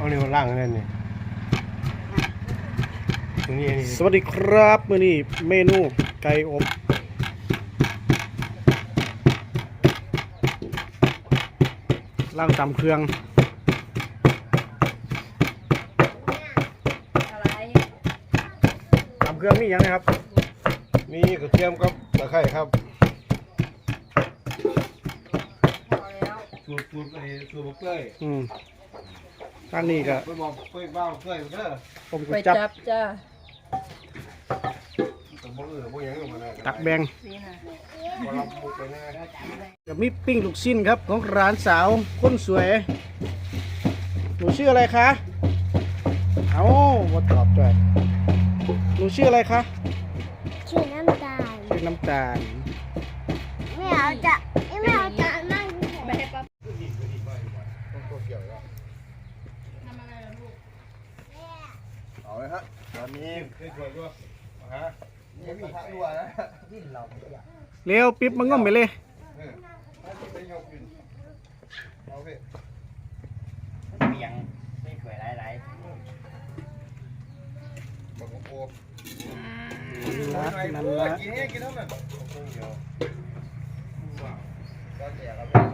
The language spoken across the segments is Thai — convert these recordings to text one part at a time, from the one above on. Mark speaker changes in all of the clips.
Speaker 1: นี่มันล่างนั่นนี่ตรงนี้นี่
Speaker 2: สวัสดีครับมื้อนี้เมนูไก่อบล่างตำเครื่องตำเครื่องนี่ยังไงครับ
Speaker 1: มีกระเทียมกับตะไคร้ครับสูตรบักเกย
Speaker 2: ทางนี้ก็
Speaker 1: ไปบอกไปบ้าเกยเด้อ
Speaker 2: ผมก็
Speaker 3: ไป
Speaker 2: จับ
Speaker 3: จ้า
Speaker 2: ตักแบ่ง
Speaker 1: บ่รับมุกไปแน่
Speaker 2: กับมีปิ้งลูกชิ้นครับของร้านสาวคนสวยหนูชื่ออะไรคะเอ้ามาตอบด้วยหนูชื่ออะไรคะ
Speaker 4: ชื่อน้ำตาล
Speaker 2: ชื่อน้ำตาล
Speaker 4: ไม่เอาจะนั่ง
Speaker 3: ไปให้ปั๊บ
Speaker 1: เอาเลยฮะตอนนี้คือสวยด้วยฮะนี่มีทางด้วยนะที่เรา
Speaker 2: เร็วปิ๊บมันง่อมไปเลย
Speaker 1: ไปยกขึ้นเอาไป
Speaker 5: เบียงไม่สวยหลาย
Speaker 1: บักโก
Speaker 2: นั่นละ
Speaker 1: กินให้กินเท่านั้นเดียวก็แจกครับ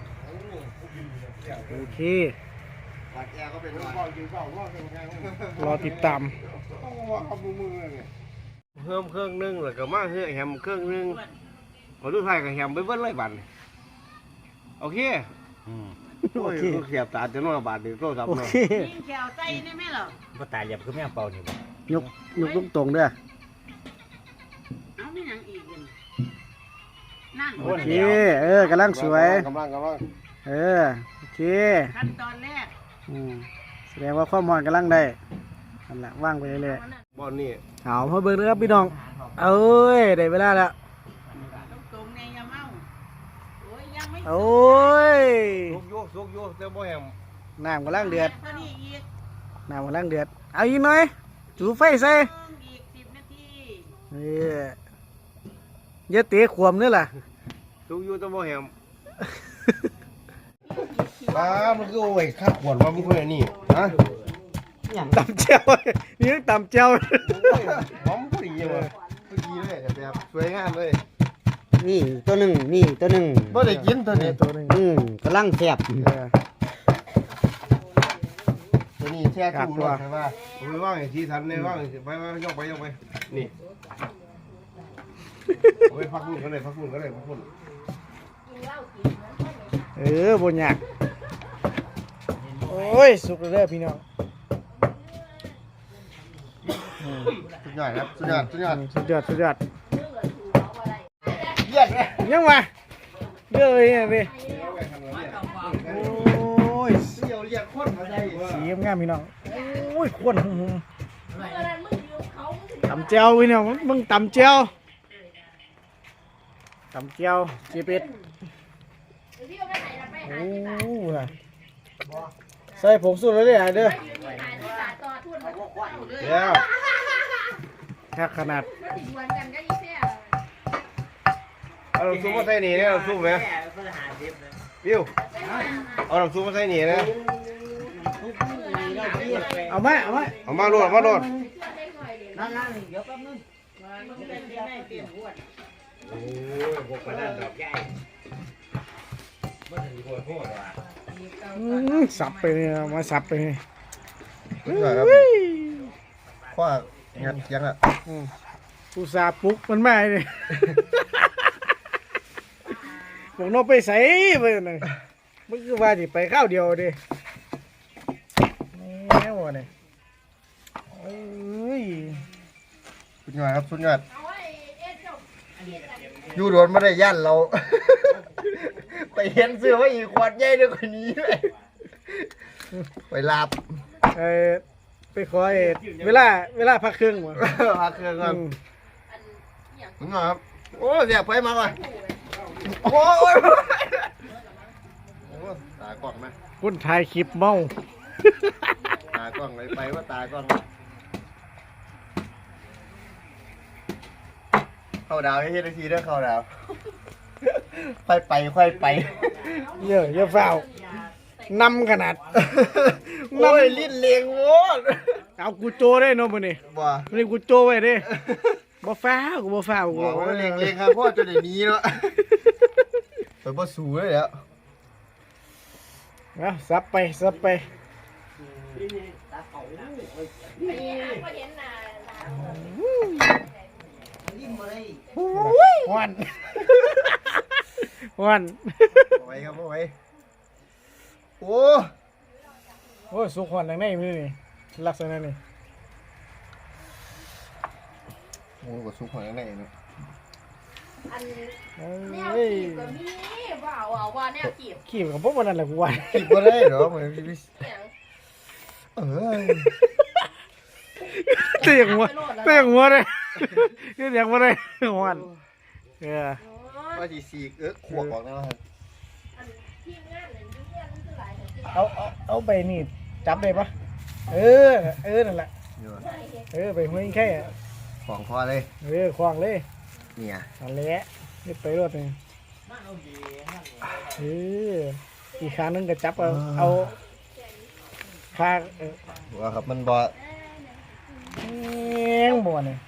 Speaker 2: โอเค
Speaker 1: ปากแจกก็เป็นว่ากินข้าวว่าเป็นไง
Speaker 2: รอติดตาม
Speaker 1: ว่าเอามือเลยเพิ่มเครื่องนึงแล้วก็มาเฮือแฮมเครื่องนึงขอดูไทยกับแฮมไปเบิ้ลเลยบัตรโอเค
Speaker 5: ๆ
Speaker 1: โอ้ยเสียบตาจะน้อยบาทเดียวโตสับ
Speaker 2: โอ
Speaker 1: เนาะ
Speaker 2: เค
Speaker 3: ยิงแขวใจได้ไหมหรอ
Speaker 5: ก็ตายเหลี่ยมคือแม่งเป่านี่บ่
Speaker 2: ยกตรงๆเด้อ
Speaker 3: เอาไม่ยังอีกนั่น
Speaker 2: โอเคกำลังสวย
Speaker 1: กำลัง
Speaker 2: โอเค
Speaker 3: ขั้นตอนแรก
Speaker 2: แสดงว่าความร้อนกำลังได้นั่นแหละว่างไปเรื่อย
Speaker 1: บอลนี่
Speaker 2: ๆเอาพอเบิ่งนะครับพี่น้องเอ้ยได้เวลาแล้ว
Speaker 3: ตรงในยาเมาโอ้ยยังไม่
Speaker 2: โอ้ย
Speaker 1: สุกโยเจ้าบ่แฮม
Speaker 2: น้ำกำลังเดือด
Speaker 3: เท่านี้อีก
Speaker 2: น้ำกำลังเดือดเอาอีกหน่อยจูไฟใส่
Speaker 3: อีก10 นาที
Speaker 2: อย่าเตะขวมนี่ล่ะ
Speaker 1: สุกโยเจ้าบ่แฮมป้ามันคือโอ้ยข้าขวดว่ามึงคนนี้ฮะ
Speaker 2: ตำเจียวนี่ตำเจียว
Speaker 1: หอมพอดีเลยพอดีเลยแบบสวยงามเลย
Speaker 5: นี่ตัวหนึ่งนี่ตัวหนึ่ง
Speaker 1: บ่ได้กินตัวนี้
Speaker 2: ตัวหนึง
Speaker 5: กำลังแซ่บ
Speaker 1: ตัวนี้แช่ตู้รถใช่ป่ะผมไปว่างไอ้ที่ทันเลยว่างไปยกไปนี่ไปพักพุ่นก็ได้พักพุ่น
Speaker 2: บนยากโอ้ยสุกเลยเด้อพี่น้อง
Speaker 1: สุดยอดครับสุดยอด
Speaker 2: สุดยอด
Speaker 1: เยี่ยมเลย
Speaker 2: ยังวะเด้อเลยเนี่ยพี่โอ้ย
Speaker 1: เสี่ยวเรียกคนมาได้
Speaker 2: สีงามพี่น้องโอ้ยควนหุ่มตำเจียวพี่น้องมึงตำเจียวเจี๊ยเป็ดโอ้ยใส่ผงสูตรแล้วเนี่ยเด้อ
Speaker 1: เดี๋ยว
Speaker 2: แค่ขนาด
Speaker 1: เอาน้ำซุปมาใส่นี่นะน้ำซุปไหมวิวเอาน้ำซุปมาใส่นี่นะ
Speaker 2: เอาไหม
Speaker 1: เอามาโหลด
Speaker 5: นั่นเดี๋ยวแป๊บนึงโอ้ยพวกกระดานดอกใหญ่บ่ถึงโคตรโคตรว่ะ
Speaker 2: สับไปเนี่ยมาสับไปเนี่ย
Speaker 1: สุดยอดครับคว้างัดยังอ่ะ
Speaker 2: อุตส่าห์ปลุกมันมาเนี่ยบอกน้องไปใส่ไปเลยมันคือว่าสิไปข้าวเดียวดิแน่วะเนี่ยเอ้ย
Speaker 1: สุดยอดครับสุดยอดอยู่โดนไม่ได้ย่านเรา ไปเห็นเสื้อว่าอีกขวดใหญ่ด้วยคนนี้เลยไปลาบ
Speaker 2: ไปขอเวลาพักเครื่องวะ
Speaker 1: พักเครื่องก่อนสุดยอดครับโอ้เสียไปมาก่อนโอ้ยตากล้องไหม
Speaker 2: คนถ่ายคลิปเมา
Speaker 1: ตากล้องไปว่าตากล้องเข้าดาวให้เฮ็ดได้ทีเด้อเข้าดาวค่อยไป
Speaker 2: เยอะเฝ้านำขนาด
Speaker 1: โอ้ยลิ้นเลียงโว้ย
Speaker 2: เอากูโจได้เนาะมื้อนี้
Speaker 1: บ่
Speaker 2: มื้อนี้กูโจไว้เด้บ่ฟ้าวกูบ่ฟ้าวกู
Speaker 1: บอกว่าเลียงเลียงครับพ่อจนได้หนี้เนาะไปบ่สู้เลยแล้ว
Speaker 2: เอาซับไปซับไปฮ้อนฮ้อน
Speaker 1: เอาไว้ครับเอาไว้โอ้
Speaker 2: โอ้ยสุกฮ้อนจังได๋มื้อนี้ลักษณะนี้
Speaker 1: โหก็สุกหัวข้างในเนาะ
Speaker 3: แนว
Speaker 2: เอ้ย
Speaker 3: จีบก็มีว่าเอาว่าแนวจีบ
Speaker 2: ขี้ก็บ่ว่านั่นแหละกูว่า
Speaker 1: คิดบ่ได้เหรอเหมือนพี่เอ้ย
Speaker 2: เตียงหัวเตียงหัวเลยเตียงหัวเลยฮ้อน
Speaker 1: ว่าสิสีกขวบออกแล้วครับ
Speaker 2: เอาไปนี่จับได้ปะเออนั่นแหละ
Speaker 1: นี่ว่ะ
Speaker 2: ไปห้วยแค่
Speaker 1: ของพอเลย
Speaker 2: คว้างเลย
Speaker 1: เนี่ย
Speaker 2: อันเละนี่ไปรถนี่อีกครั้งนึงก็จับเอาคา
Speaker 1: ว่าครับมันบ่
Speaker 2: แงบ่เนี่ย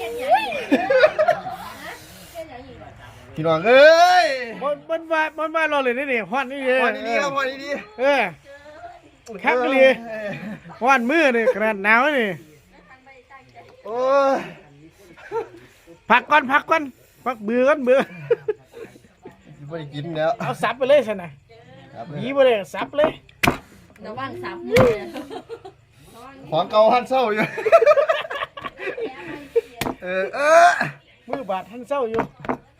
Speaker 1: พี่น้องเอ้ย
Speaker 2: มันว่าเราเลยนี่ฮ้อนนี่เลย
Speaker 1: พอดีๆครับพอดี
Speaker 2: คักเลยฮ้อนมือนี่ขนาดหนาวนี่
Speaker 1: โอ้ย
Speaker 2: พักก่อนพักเบื่อก่อนเบื่อ
Speaker 1: ไม่ได้กินแล้ว
Speaker 2: เอาสับไปเลยสินะ
Speaker 1: ครับ
Speaker 2: หยีไปเลยสับเลย
Speaker 3: ระวังสับมือ
Speaker 1: ของเก่าหันเศร้าอยู่เออ
Speaker 2: มือบาดท่านเศร้าอยู่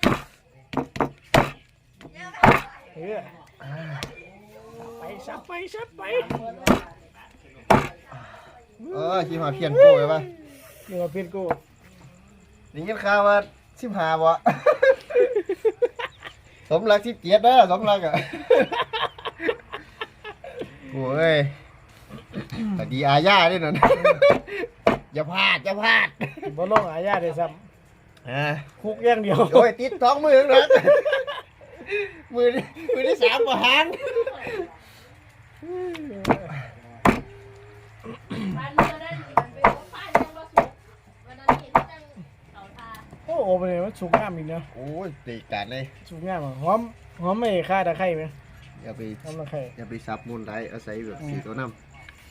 Speaker 2: สับไป
Speaker 1: ขี้หมาเพียนโก้เลยป่ะ
Speaker 2: นี่มาเพี้ยนกู
Speaker 1: นี่ยินข่าวว่า15บ่สมรัก17เด้อสมรักอ่ะโอ้ยแต่ดีอาญาด้วยนั่นอย่าพลาด
Speaker 2: บ่ลงอาญาได้ซ้ำคุกอย่างเดียว
Speaker 1: โอ้ยติดท้องมือนะมือที่3บ่หัน
Speaker 3: วันเมื่อนั้นมันเป็นของฟ้ายังบ่สุกวันนั้นเห็นจังเขาทา
Speaker 2: โอ้โหไปเลยมันสุกงามอีกเนาะ
Speaker 1: โอ้ยตีกันเลย
Speaker 2: สุกงามหอมไม่ฆ่าตะไคร้ไหม
Speaker 1: อย่าไป
Speaker 2: หอมตะไคร้
Speaker 1: อย่าไปซับมูลไรอาศัยแบบสีตัวน้ำ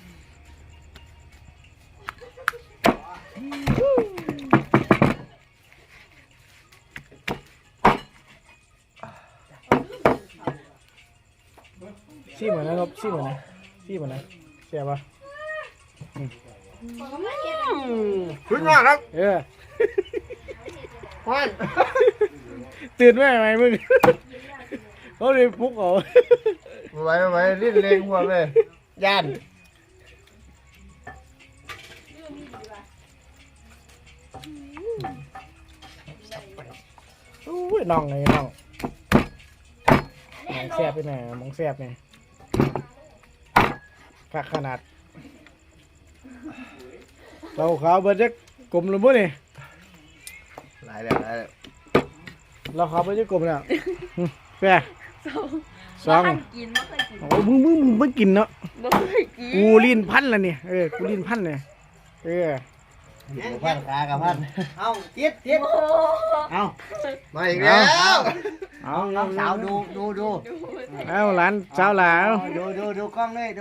Speaker 2: ซี่เหมือนนะครับซี่เหมือนนะเสียบปะ
Speaker 1: ขึ้นมาครับ
Speaker 2: พอนตื่นไหมมึงเขาเลยปลุกเอา
Speaker 1: ไว้ลิ้นเลงหัวเลยย่าน
Speaker 2: อุ้ยน้องไงน้องแซ่บไปไหนมองแซ่บไงคักขนาดเราขาวเบิดจะกลมหรือบ่นี่
Speaker 1: หลายแล้ว
Speaker 2: เราขาวเบิดจะกลมแล้วแซ่สอง
Speaker 3: กินไม่เคยกิน
Speaker 2: โอ้มึงไม่กินเนาะ
Speaker 3: ไม่เคยกิน
Speaker 2: กูลิ้นพันแล้วเนี่ยกูลิ้นพันเนี่ย
Speaker 1: พันขากับพันเอาติด
Speaker 2: เอา
Speaker 1: มาอีกแล้ว
Speaker 2: เอา
Speaker 1: น้องสาวดู
Speaker 2: เอาหลานสาวหลาว
Speaker 1: ดูกล้องเลย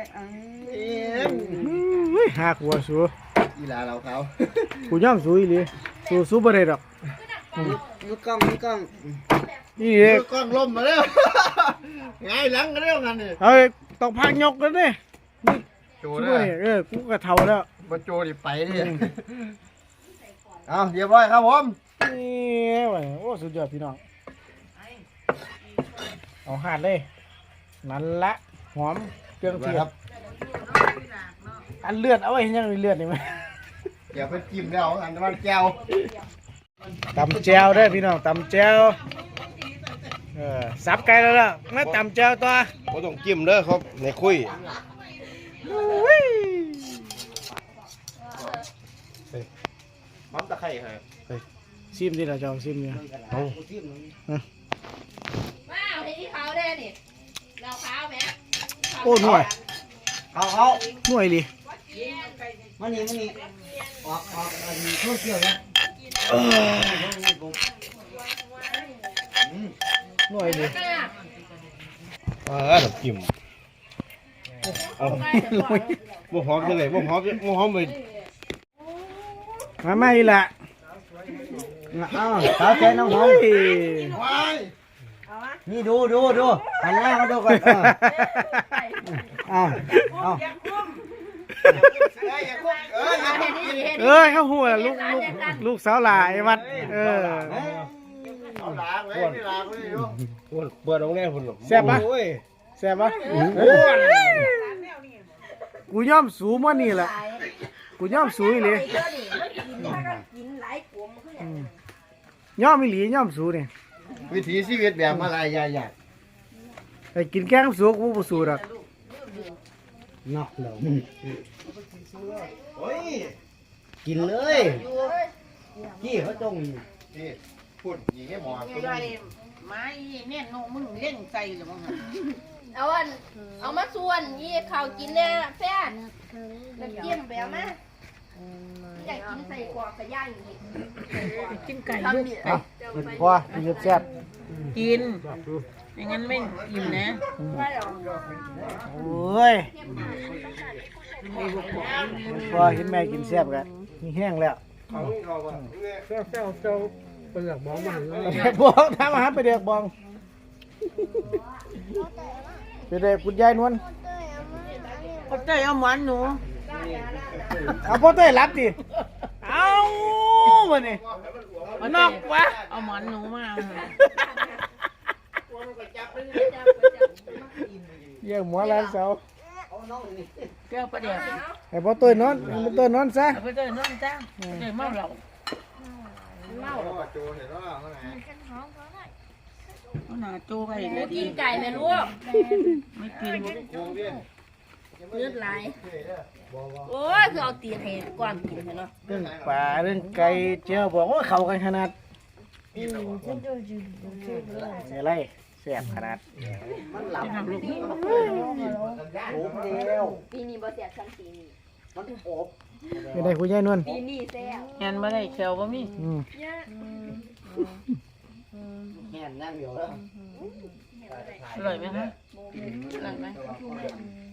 Speaker 2: หาขัวสู
Speaker 1: อีหลาเราเขา
Speaker 2: กูย่อมสูอีหลีสูบ่ได้ดอก
Speaker 1: ดูกล้อง
Speaker 2: นี่
Speaker 1: ดูกล้องล้มมาแล้วไงหลังกันแล้วกันนี่
Speaker 2: เฮ้ยต้องพักยกแล้วเนี่ย
Speaker 1: โจ
Speaker 2: สู
Speaker 1: นะ
Speaker 2: บ่นี่กูก็เฒ่าแล้ว
Speaker 1: มาโจดิไปดิเอาเรียบร้อยครับผม
Speaker 2: นี่ว่ะโอ้สุดยอดพี่น้องเอาหาดเลยนั่นละหอมเครื่องเทศ
Speaker 1: ครับ
Speaker 2: อันเลือดเอาไว้ยังมีเลือดนี่มั้ย
Speaker 1: เดี๋ยวไปจิ้มแล้วอันนั้นแก้ว
Speaker 2: ตำแจวได้อพี่น้องตำแจวสับไก่แล้วล่ะมาตำแจวตัว
Speaker 1: บ่ต้องจิ้มเด้อครับในคุยพร้อมตะไคร้ครับ
Speaker 2: ซิมดิเราจะเอาซิมเนี่ย
Speaker 1: เอา
Speaker 3: ว้าวเห็นที่เขาได้นี่เราขาวไหม
Speaker 2: โอ้หน่วย
Speaker 5: เอา
Speaker 2: หน่วยดิ
Speaker 5: มานี่ออกช่วงเกี่ยวนะ
Speaker 2: หน่วยดิ
Speaker 1: ดอกกิ่มเอาบ่หอมจังเลยบ่หอมไป
Speaker 2: มาไม่ละ
Speaker 5: เอาสาวแค่น้องหอมนี่ดูหันหน้ามาดูก่อนเอา
Speaker 2: เขาหัวลูกสาวหลายวัด
Speaker 1: เปิดโรงแรมพุ่น
Speaker 2: แซ่บปะกูย่อมสูงว่านี่แหละกูย่อมสูงเลยย่อมอีหลีย่อมสูงเนี่ย
Speaker 1: วิถีชีวิตแบบมาลายยาก
Speaker 2: ไปกินแกงสูงกูบ่สูงหรอก
Speaker 5: นอกเรากินเลยพี่เขาจง
Speaker 1: นี่พูดอย่างนี้หมอ
Speaker 6: ไม้เนี่ยโนมึงเล่นใจหรือมั้ง
Speaker 3: เอามาส่วนยี่ข้าวกินเนี่ยแฟนแล้วเกี่ยมแบบมาอยากกินใส่กรอกใส่ย่างอย่างนี้
Speaker 6: กินไก่
Speaker 3: ทำเนี่ย
Speaker 2: พอยืดแซ่บ
Speaker 6: กินอย่างนั้นไม่อิ่มนะ
Speaker 2: โอ้ยพอเห็นแม่กินแซ่บกันมีแห้งแล้ว
Speaker 5: เปลือกมองมัน
Speaker 2: บองทำอาหารไปเด็กบองไปเด็กคุณยายนวล
Speaker 6: ก็เต้เอาหมอนหนู
Speaker 2: เอาพ่อเต้ยรับดิเอามาเนี่ยนอกวะ
Speaker 6: เอาหมอนหนูมา
Speaker 2: เยี่ยมหัวร้านเสา
Speaker 6: เจ้าประเดี๋ยว
Speaker 2: ให้พ่อเต้ยนอนพ่อเต้ยนอนซะ
Speaker 6: เอาไปเต้นอนจ้าเต้เมาเหล้าเอาหน้าโจ้ไปเลย
Speaker 3: กินไก่ไหมลูก
Speaker 6: ไม่กิน
Speaker 3: เลือดไหลโอ้ยคือเอาตีนให้กวางกินเนาะ
Speaker 2: เรื่องป่าเรื่องไก่เจ้าบอกว่าเข้ากันขนาดอะไรแซ่บขนาด
Speaker 6: จะทำลูก
Speaker 3: ปีนี้บ่เสียชั้นปีนี้
Speaker 2: ไม่ได้คุณยายนวล
Speaker 3: ปีนี้แซ่บ
Speaker 6: งานมาได้เขียวบ่มี
Speaker 5: แง่นั่งอยู่แล้ว
Speaker 6: อร่อยไหมคะ
Speaker 3: อร่อยไหม